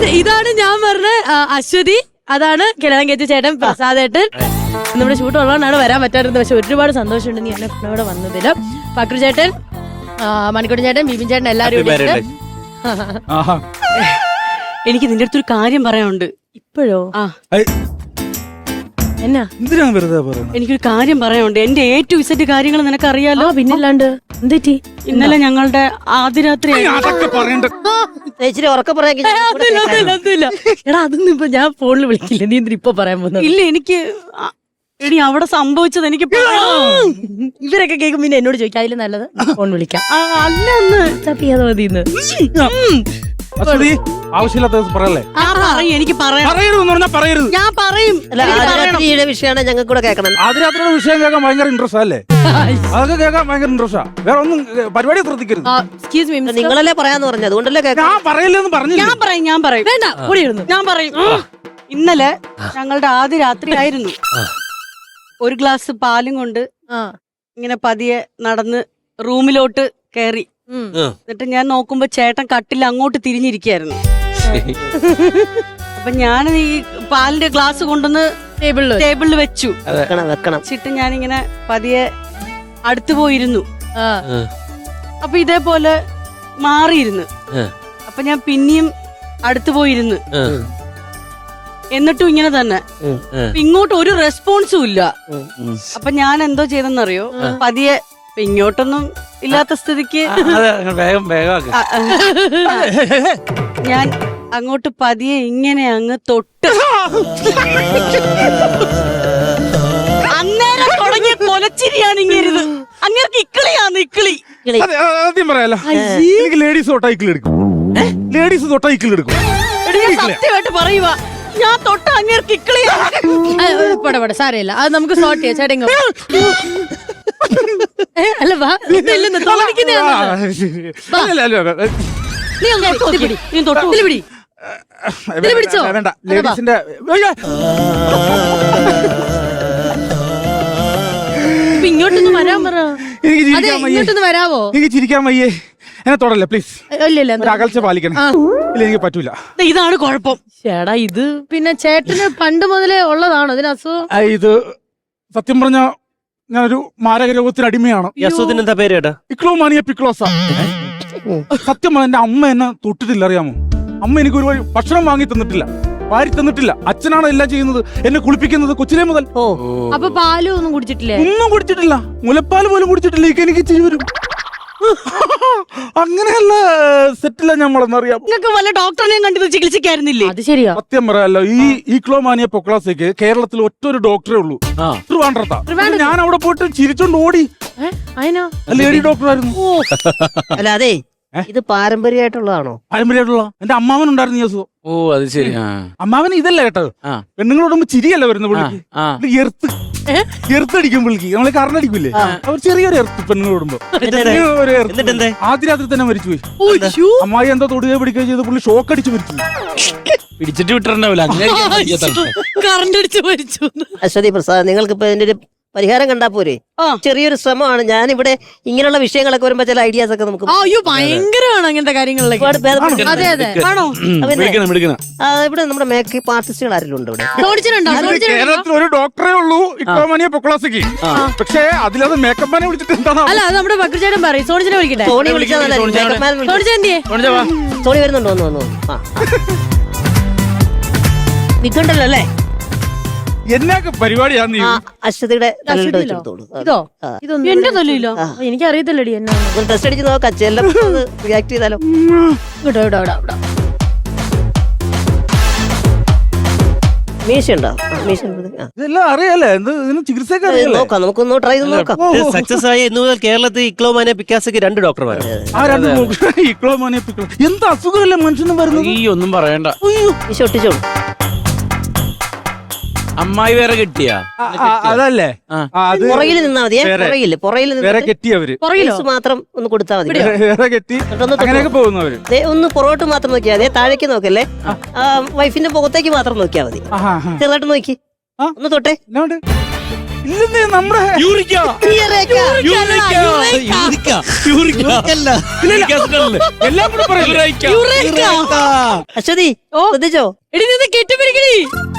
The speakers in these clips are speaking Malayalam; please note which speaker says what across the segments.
Speaker 1: ഇതാണ് ഞാൻ പറഞ്ഞ അശ്വതി, അതാണ് കിഴവൻ കേച്ച ചേട്ടൻ പ്രസാദേട്ടൻ. നമ്മുടെ ഷൂട്ട് ഉള്ളതുകൊണ്ടാണ് വരാൻ പറ്റാറുള്ളത്. പക്ഷെ ഒരുപാട് സന്തോഷമുണ്ട് നീ എന്നെ ഇവിടെ വന്നതില്. ഫക്രു ചേട്ടൻ, മണിക്കൂട്ടൻ ചേട്ടൻ, ബിബിൻ ചേട്ടൻ, എല്ലാരും.
Speaker 2: എനിക്ക് നിന്റെ അടുത്തൊരു കാര്യം പറയാനുണ്ട്.
Speaker 1: ഇപ്പോഴോ? എന്നാ?
Speaker 2: എനിക്കൊരു കാര്യം പറയാനുണ്ട്. എന്റെ A to Z കാര്യങ്ങൾ നിനക്കറിയാലോ.
Speaker 1: പിന്നല്ലാണ്ട് എന്തെറ്റി?
Speaker 2: ഇന്നലെ ഞങ്ങളുടെ ആദ്യ രാത്രി.
Speaker 1: എടാ അതൊന്നും ഇപ്പൊ ഞാൻ ഫോണിൽ വിളിക്കില്ല. നീ എന്തിനാ ഇപ്പൊ പറയാൻ പോകുന്നത്?
Speaker 2: ഇല്ല, എനിക്ക് എടി അവിടെ സംഭവിച്ചത് എനിക്ക്
Speaker 1: ഇവരൊക്കെ കേൾക്കും. പിന്നെ എന്നോട് ചോദിക്കാം അതിൽ നല്ലത് ഫോൺ വിളിക്കാം.
Speaker 2: അല്ല ഒന്ന്
Speaker 1: ചപ്പിയാതെ മതി.
Speaker 3: ആവശ്യമില്ലാത്ത പറയല്ലേ?
Speaker 2: എനിക്ക്
Speaker 3: പറയരുത്.
Speaker 2: ഞാൻ പറയും.
Speaker 4: വിഷയമാണ് ഞങ്ങൾക്ക് കൂടെ കേൾക്കണം.
Speaker 3: ആദ്യരാത്രിയുടെ വിഷയം കേൾക്കാൻ ഭയങ്കര ഇൻട്രസ്റ്റ് അല്ലേ? അതൊക്കെ കേൾക്കാൻ ഭയങ്കര ഇൻട്രസ്റ്റാ. വേറെ ഒന്നും പരിപാടി ശ്രദ്ധിക്കരുത്.
Speaker 4: നിങ്ങളല്ലേ പറയാന്ന് പറഞ്ഞു, അതുകൊണ്ടല്ലേ
Speaker 3: ഞാൻ പറയില്ലെന്ന് പറഞ്ഞു.
Speaker 2: ഞാൻ പറയും.
Speaker 1: വേണ്ട,
Speaker 2: ഞാൻ പറയും. ഇന്നലെ ഞങ്ങളുടെ ആദ്യ രാത്രി ആയിരുന്നു. ഒരു ഗ്ലാസ് പാലും കൊണ്ട് ഇങ്ങനെ പതിയെ നടന്ന് റൂമിലോട്ട് കയറി. എന്നിട്ട് ഞാൻ നോക്കുമ്പോ ചേട്ടൻ കട്ടിൽ അങ്ങോട്ട് തിരിഞ്ഞിരിക്കായിരുന്നു. അപ്പൊ ഞാൻ ഈ പാലിന്റെ ഗ്ലാസ് കൊണ്ടുവന്ന് ടേബിളിൽ വെച്ചു. വെച്ചിട്ട് ഞാനിങ്ങനെ പതിയെ അടുത്തു പോയിരുന്നു. അപ്പൊ ഇതേപോലെ മാറിയിരുന്നു. അപ്പൊ ഞാൻ പിന്നെയും അടുത്തു പോയിരുന്നു. എന്നിട്ടും ഇങ്ങനെ തന്നെ. ഇങ്ങോട്ട് ഒരു റെസ്പോൺസും ഇല്ല. അപ്പൊ ഞാൻ എന്തോ ചെയ്തെന്നറിയോ? പതിയെ ഇങ്ങോട്ടൊന്നും ഇല്ലാത്ത സ്ഥിതിക്ക് ഞാൻ അങ്ങോട്ട് പതിയെ ഇങ്ങനെ അങ്ങ് തൊട്ട് അന്നേരം തുടങ്ങിയ കൊലച്ചിരിയാണ് ഇങ്ങരുത്. അങ്ങേർക്ക് ഇക്കിളിയാന്ന് ഇക്കിളി.
Speaker 3: ആദ്യം പറയാലോ, എനിക്ക് ലേഡീസ് തൊട്ടാ ഇക്കിളി എടുക്കും. ലേഡീസ് തൊട്ടാ ഇക്കിളി എടുക്കും.
Speaker 1: സത്യമായിട്ട് പറയുക, ഞാൻ തൊട്ട അങ്ങേർക്ക് ഇക്കിളിയാണ്. സാരമില്ല, അത് നമുക്ക് സോർട്ട് ചെയ്യാം. ചേട്ടൻ അല്ല വാ, പിടിച്ചോ.
Speaker 3: വേണ്ട, ലേഡീസിന്റെ
Speaker 1: ഇങ്ങോട്ടൊന്ന് വരാൻ പറ. ഇങ്ങോട്ടൊന്ന് വരാവോ?
Speaker 3: എനിക്ക് ചിരിക്കാൻ വയ്യേ. എന്നെ തൊടല്ലേ പ്ലീസ്. അകൽച്ച പാലിക്കണം. ഇല്ല, എനിക്ക് പറ്റൂല.
Speaker 2: ഇതാണ് കുഴപ്പം.
Speaker 1: ചേട്ടാ ഇത് പിന്നെ ചേട്ടന് പണ്ട് മുതലേ ഉള്ളതാണോ ഇതിന് അസുഖം?
Speaker 3: ഇത് സത്യം പറഞ്ഞ ഞാനൊരു മാരക രോഗത്തിന് അടിമയാണ്.
Speaker 5: എന്താ പേര്?
Speaker 3: ഇക്ലോമാനിയ പിക്ലോസ. സത്യം എന്റെ അമ്മ എന്നെ തൊട്ടിട്ടില്ല, അറിയാമോ? അമ്മ എനിക്ക് ഒരു ഭക്ഷണം വാങ്ങി തന്നിട്ടില്ല, വാരി തന്നിട്ടില്ല. അച്ഛനാണ് എല്ലാം ചെയ്യുന്നത്, എന്നെ കുളിപ്പിക്കുന്നത് കൊച്ചിലെ മുതൽ.
Speaker 1: അപ്പൊ പാലും ഒന്നും കുടിച്ചിട്ടില്ലേ?
Speaker 3: ഒന്നും കുടിച്ചിട്ടില്ല, മുലപ്പാൽ പോലും കുടിച്ചിട്ടില്ല. എനിക്ക് ചിരി വരും. അങ്ങനെയല്ല സെറ്റില്ല നമ്മളെന്നറിയാം.
Speaker 2: നിങ്ങൾക്ക് വല്ല ഡോക്ടറിനെയും കണ്ടത് ചികിത്സിക്കായിരുന്നില്ലേ?
Speaker 1: അത് ശരിയാ.
Speaker 3: സത്യം പറയാലോ, ഈ ഈക്ലോമാനിയ പൊക്ലാസയ്ക്ക് കേരളത്തിൽ ഒറ്റൊരു ഡോക്ടറേ ഉള്ളൂ, ട്രിവാൻഡ്രത്താ. ഞാൻ അവിടെ പോയിട്ട് ചിരിച്ചോണ്ട് ഓടി. ലേഡി ഡോക്ടറായിരുന്നു.
Speaker 4: അല്ല അതെ, ഇത് പാരമ്പര്യമായിട്ടുള്ളതാണോ?
Speaker 3: പാരമ്പര്യമായിട്ടുള്ള എന്റെ അമ്മാവൻ ഉണ്ടായിരുന്നു ഈ അസുഖം.
Speaker 5: ഓ അത് ശരി.
Speaker 3: അമ്മാവൻ ഇതല്ല കേട്ടത്, പെണ്ണുങ്ങളോടുമ്പോ ചിരിയല്ല വരുന്ന പുള്ളിക്ക്. എർത്തടിക്കും പുള്ളിക്ക്. നമ്മളെ കറണ്ടടിക്കൂലേ, അവർ ചെറിയൊരു എർത്ത് പെണ്ണുങ്ങളോടുമ്പോ. ആദ്യ രാത്രി തന്നെ മരിച്ചുപോയി. അമ്മായി എന്തോ തൊടുകയോ പിടിക്കുകയോ ചെയ്ത് പുള്ളി ഷോക്ക് അടിച്ച് മരിച്ചു.
Speaker 5: പിടിച്ചിട്ട് വിട്ടിട്ടുണ്ടാവില്ല,
Speaker 2: കറണ്ട് അടിച്ച് മരിച്ചു.
Speaker 4: അശ്വതി പ്രസാദ്, നിങ്ങൾക്ക് ഇപ്പൊ ഇതിന്റെ ഒരു പരിഹാരം കണ്ടാ പോരെ? ചെറിയൊരു ശ്രമമാണ്. ഞാനിവിടെ ഇങ്ങനെയുള്ള വിഷയങ്ങളൊക്കെ വരുമ്പോ ചില ഐഡിയാസ് ഒക്കെ നമുക്ക്
Speaker 1: ഭയങ്കരമാണ് അങ്ങനത്തെ കാര്യങ്ങളിലേക്ക്.
Speaker 4: ഇവിടെ നമ്മുടെ മേക്കപ്പ് ആർട്ടിസ്റ്റുകൾ ആരെങ്കിലും ഉണ്ട് ഇവിടെ?
Speaker 3: കേരളത്തിൽ ഒരു ഡോക്ടറേ ഉള്ളൂ ഇക്ലോമാനിയ പൊക്ലാസയ്ക്ക്. പക്ഷേ അതിലത് മേക്കപ്പ് മാനെ വിളിച്ചിട്ട് എന്താണ്?
Speaker 1: അല്ല, അത് നമ്മുടെ ഭക്തചേട്ടൻ പറയും. സോണിച്ചിനെ വിളിക്കട്ടെ.
Speaker 4: സോണി വിളിച്ചാൽ സോണി വരുന്നുണ്ടോ? വന്നു നിൽക്കണ്ടല്ലോ അല്ലേ?
Speaker 3: എന്നൊക്കെ പരിപാടിയാണ്
Speaker 4: അശ്വതിയുടെ
Speaker 1: ഇതോ? ഇതൊന്നും എന്റെ തല്ലില്ലോ, എനിക്ക് അറിയത്തില്ലടി. എന്നാ
Speaker 4: ടെസ്റ്റ് അടിച്ച് നോക്കാം, ചെല്ലം റിയാക്ട് ചെയ്താലോ. മീശയുണ്ടോ?
Speaker 3: ഇതെല്ലാം അറിയാലേ, എന്ത് ഇതിന് ചികിത്സയൊക്കെ
Speaker 4: നോക്കാം, നമുക്കൊന്ന് ട്രൈ ചെയ്ത് നോക്കാം.
Speaker 5: സക്സസ് ആയി ഇന്നു മുതൽ കേരളത്തിൽ ഇക്ലോമാനിയ പിക്കാസയ്ക്ക് 2 ഡോക്ടർമാരാണ്.
Speaker 3: ഇക്ലോമാനിയ പിക്ലോസ എന്ത് അസുഖമല്ലേ മനുഷ്യനും വരുന്നത്?
Speaker 5: ഈ ഒന്നും പറയണ്ട.
Speaker 4: മീശ ഒട്ടിച്ചോളൂ.
Speaker 5: അമ്മായി വേറെ കെട്ടിയാ?
Speaker 3: അതല്ലേ,
Speaker 4: പുറകിൽ നിന്നാ മതിയെ. പുറകിൽ
Speaker 3: വേറെ കെട്ടിയവര്
Speaker 4: മാത്രം ഒന്ന് കൊടുത്താൽ മതി.
Speaker 3: വേറെ കെട്ടി അങ്ങനെയൊക്കെ പോകുന്നവര്
Speaker 4: ഒന്ന് പുറകോട്ട് മാത്രം നോക്കിയാൽ മതി, താഴേക്ക് നോക്കല്ലേ. വൈഫിന്റെ മുഖത്തേക്ക് മാത്രം നോക്കിയാൽ മതി. ചെറുതായിട്ട് നോക്കി ഒന്ന് തൊട്ടേ.
Speaker 3: ഇല്ലെന്നേ നമ്മുടെ
Speaker 5: യൂറിക്ക
Speaker 3: എല്ലാം കൂടെ പറയില്ലേ?
Speaker 4: അശ്വതി ശ്രദ്ധിച്ചോ?
Speaker 1: എടി നിന്ന് കെട്ടിപ്പിടിക്കടി.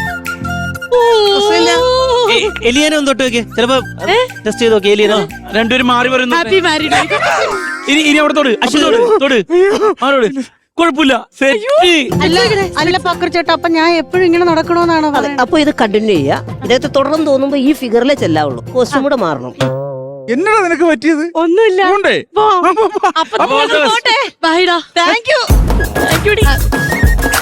Speaker 5: എലിയനെ ഒന്ന് തൊട്ട് നോക്കിയേ, ചിലപ്പോ ടെസ്റ്റ് ചെയ്ത് നോക്കി. എലിയനോ രണ്ടുപേരും മാറി പറയുന്നു.
Speaker 1: Happy married.
Speaker 5: ഇനി അവിടെ തൊട്, അശ്വതി തൊട്, മാറോട്. കുഴപ്പമില്ല, സെറ്റ്.
Speaker 2: അല്ല പക്രു ചേട്ടാ, അപ്പൊ ഞാൻ എപ്പോഴും ഇങ്ങനെ നടക്കണോന്നാണോ പറയുന്നത്?
Speaker 4: അപ്പൊ ഇത് കണ്ടിന്യൂ ചെയ്യാ. ഇദ്ദേഹത്തെ തുടർന്ന് തോന്നുമ്പോ ഈ ഫിഗറിലേ ചെല്ലാവുള്ളൂ. കോസ്റ്റ്യൂം കൂടെ മാറണം.
Speaker 3: എന്നടാ നിനക്ക് പറ്റിയത്?
Speaker 2: ഒന്നുമില്ല.
Speaker 3: പോണ്ടേ?
Speaker 1: അപ്പൊ പോട്ടെ. ബൈ ഡാ.
Speaker 2: Thank you.
Speaker 1: Thank U.